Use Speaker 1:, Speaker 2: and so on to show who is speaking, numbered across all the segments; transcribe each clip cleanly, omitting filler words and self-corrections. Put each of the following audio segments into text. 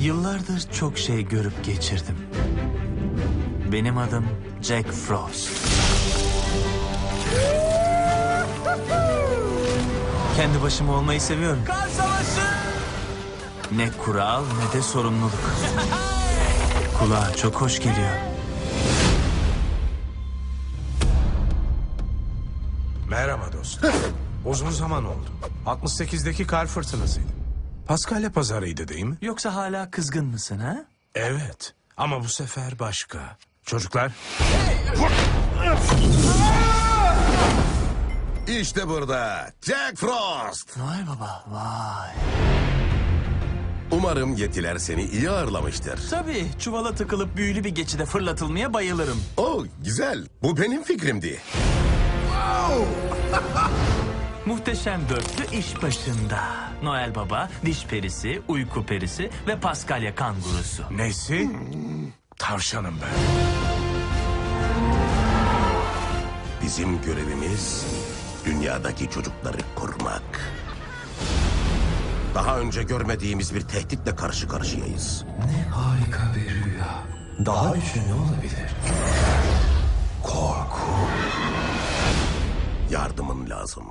Speaker 1: Yıllardır çok şey görüp geçirdim. Benim adım Jack Frost. Kendi başıma olmayı seviyorum.
Speaker 2: Kar savaşı!
Speaker 1: Ne kural ne de sorumluluk. Kulağa çok hoş geliyor.
Speaker 3: Merhaba dostum. Uzun zaman oldu. 68'deki kar fırtınasıydı. Paskalya pazarıydı değil mi?
Speaker 1: Yoksa hala kızgın mısın ha?
Speaker 3: Evet. Ama bu sefer başka. Çocuklar,
Speaker 4: İşte burada Jack Frost.
Speaker 1: Vay baba vay.
Speaker 4: Umarım yetiler seni iyi ağırlamıştır.
Speaker 1: Tabii çuvala tıkılıp büyülü bir geçide fırlatılmaya bayılırım.
Speaker 4: Oh güzel. Bu benim fikrimdi.
Speaker 1: Muhteşem dörtlü iş başında. Noel Baba, Diş Perisi, Uyku Perisi ve Paskalya kangurusu.
Speaker 3: nesi? Tavşanım ben.
Speaker 4: Bizim görevimiz dünyadaki çocukları korumak. Daha önce görmediğimiz bir tehditle karşı karşıyayız.
Speaker 2: Harika bir rüya. Daha üçü ne olabilir? Korku.
Speaker 4: Yardımın lazım.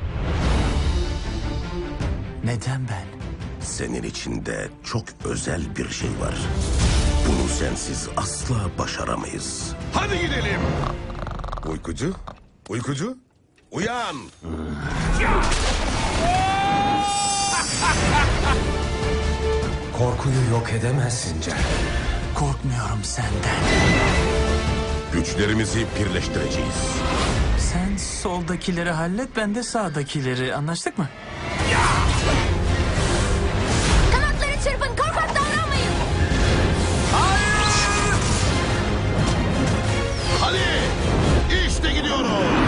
Speaker 1: Neden ben?
Speaker 4: Senin içinde çok özel bir şey var. Bunu sensiz asla başaramayız. Hadi gidelim. Uykucu, uykucu, uyan.
Speaker 2: Korkuyu yok edemezsin Jack.
Speaker 1: Korkmuyorum senden.
Speaker 4: Güçlerimizi birleştireceğiz.
Speaker 1: Sen soldakileri hallet, ben de sağdakileri. Anlaştık mı?
Speaker 5: Kanatları çırpın, korkak davranmayın.
Speaker 4: Hadi, işte gidiyoruz.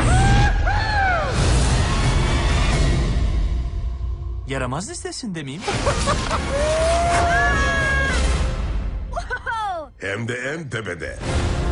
Speaker 1: Yaramaz listesinde miyim?
Speaker 4: Hem de en tepede.